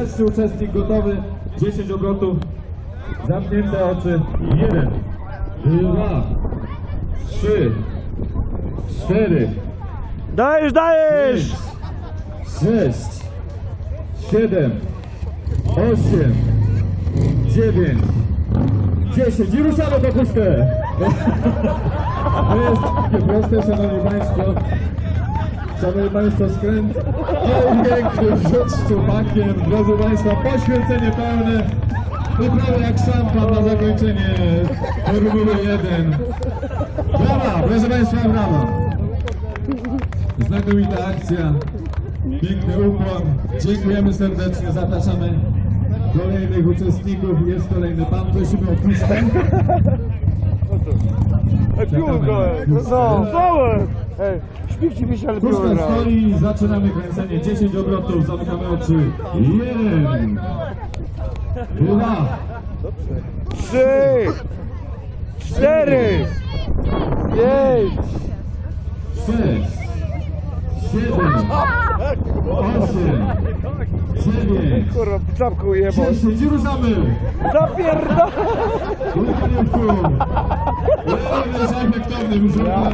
Pierwszy uczestnik gotowy. 10 obrotów. Zamknięte oczy. 1, 2, 3, 4, Dajesz, dajesz! 6, 7, 8, 9, 10 i ruszamy po puszkę! To jest takie proste, szanowni państwo. Szanowni państwo, skręt piękny rzut z szczupakiem. Drodzy państwo, poświęcenie pełne. Wyprawa jak szampan na zakończenie Formuły 1. Brawa, proszę państwa, brawa. Znakomita akcja. Piękny ukłon. Dziękujemy serdecznie. Zapraszamy kolejnych uczestników. Jest kolejny pan. Prosimy o puszkę. No, całe! Ej, śpiewcie mi się, ale piło Puszka gra. stoi. Zaczynamy kręcenie. 10 obrotów. Zamykamy oczy. 1, 2, 3, 4, 5, 6, 7, 8, 9, kurwa, czapką jebał. 10 i ruszamy! Zapierda! Kulka nie w kół! Jest efektowny, muszę